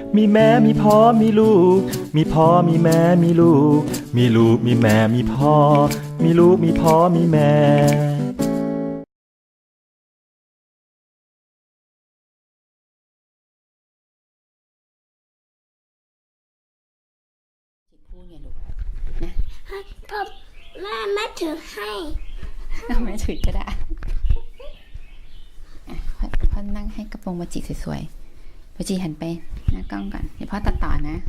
มีแม่มีพ่อมีลูกมีพ่อมีแม่มีลูกมีลูกมีแม่มีพ่อมีลูกมีพ่อมีแม่พูดไงลูกนะพ่อแม่ถือให้เอาไม่ถือก็ได้อ่ะพ่อนั่งให้กระโปรงโมจิสวยๆโมจิหันไปหน้ากล้องก่อนเดี๋ยวพ่อตัดต่อนะ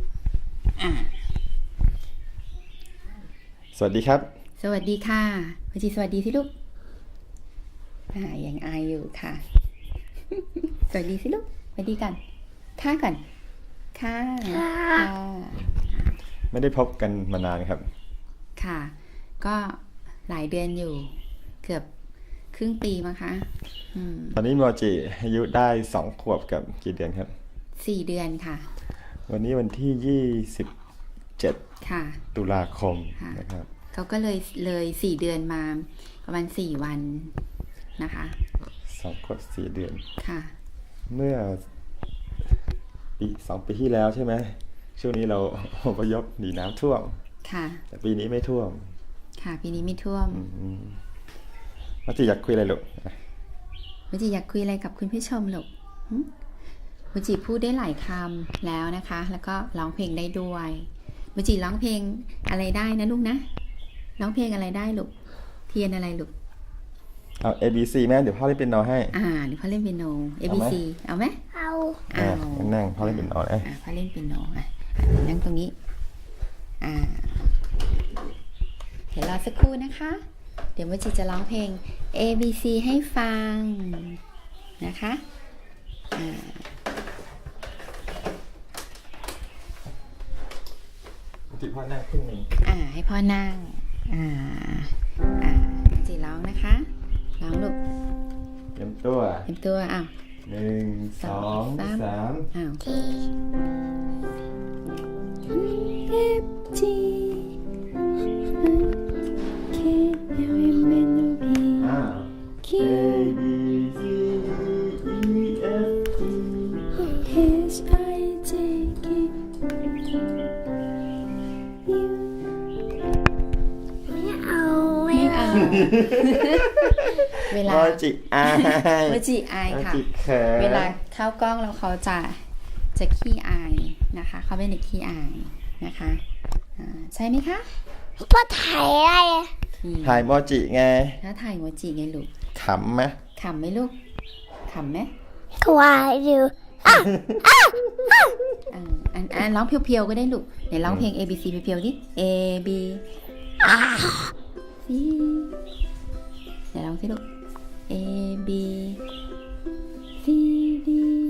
สวัสดีครับสวัสดีค่ะโมจิสวัสดีสิลูกยังอายอยู่ค่ะ สวัสดีสิลูกสวัสดีกันค่ะก่อนค่ะไม่ได้พบกันมานานครับค่ะก็หลายเดือนอยู่เกือบครึ่งปีมั้งคะตอนนี้โมจิอายุได้2 ขวบกับกี่เดือนครับ 4 เดือนค่ะวันนี้วันที่27 ค่ะตุลาคมนะครับเขาก็เลย4 เดือนมาประมาณ4 วันนะคะ 2 ขวบ 4 เดือนค่ะเมื่อ2 ปีที่แล้วใช่ไหมช่วงนี้เราอพยพหนีน้ำท่วมค่ะแต่ปีนี้ไม่ท่วมค่ะปีนี้ไม่ท่วมโมจิอยากคุยอะไรลูกโมจิอยากคุยอะไรกับคุณผู้ชมลูกโมจิพูดได้หลายคำแล้วนะคะแล้วก็ร้องเพลงได้ด้วยโมจิร้องเพลงอะไรได้นะลูกนะร้องเพลงอะไรได้ลูกเทียนอะไรลูกเอา ABC แม่เดี๋ยวพ่อเล่นเปียโนให้เดี๋ยวพ่อเล่นเปียโน ABC เอาไหมเอานั่งพ่อเล่นเปียโนเลยพ่อเล่นเปียโนนั่งตรงนี้เดี๋ยวรอสักครู่นะคะเดี๋ยวโมจิจะร้องเพลง ABC ให้ฟังนะคะโมจิพ่อนั่งขึ้นหนึ่งให้พ่อนั่งโมจิร้องนะคะร้องลูกเตรียมตัว1 2 3 โอเคF G K L M N O P Q A B C D E F G H I J K U ไม่เอาเวลาโมจิอายค่ะเวลาเข้ากล้องแล้วเขาจะขี้อายนะคะเขาเป็นเด็กขี้อายนะคะใช่ไหมคะพ่อถ่ายอะไรถ่ายโมจิไงถ้าถ่ายโมจิไงลูกขำไหมลูกขำไหมกวาดอยู่ร้องเพียวๆก็ได้ลูกไหนร้องเพลง A B C เพียวๆดิ A B C ไหนร้องสิลูก A B C D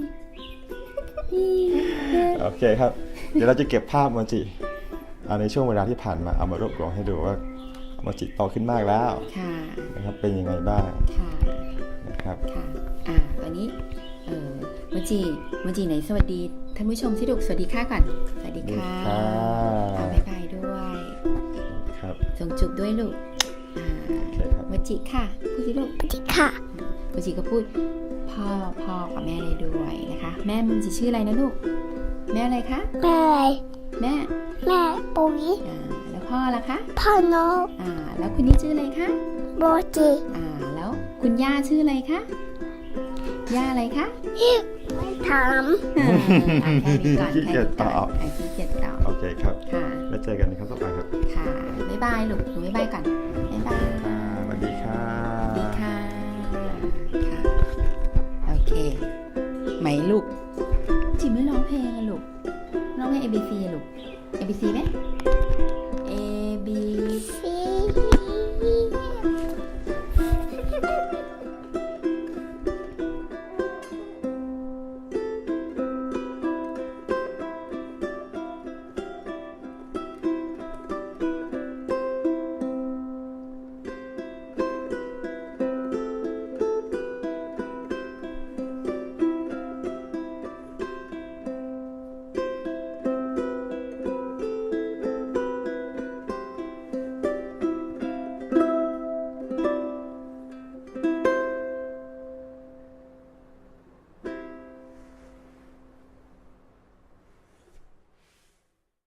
E โอเคครับเดี๋ยวเราจะเก็บภาพโมจิในช่วงเวลาที่ผ่านมาเอามารวบรวมให้ดูว่าโมจิโตขึ้นมากแล้วนะครับเป็นยังไงบ้างนะครับวันนี้โมจิไหนสวัสดีท่านผู้ชมที่ดูสวัสดีค่ะก่อนสวัสดีค่ะบ๊ายบายด้วยครับส่งจุบด้วยลูกโมจิค่ะพูดสิลูกโมจิค่ะโมจิก็พูดพ่อกับแม่ได้ด้วยนะคะแม่โมจิชื่ออะไรนะลูกแม่อะไรคะแม่ปุ๋ยแล้วพ่อล่ะคะพ่อโนแล้วคุณนี่ชื่ออะไรคะโมจิแล้วคุณย่าชื่ออะไรคะย่าอะไรคะไม่ถามขี้เกียจตอบโอเคครับค่ะแล้วเจอกันในครั้งต่อไปครับค่ะบ๊ายบายลูกหนูบ๊ายบายก่อนบ๊ายบายสวัสดีค่ะโอเคไหมลูกจิไม่ร้องเพลงอะลูกร้องเพลง ABC อะลูก ABC ไหม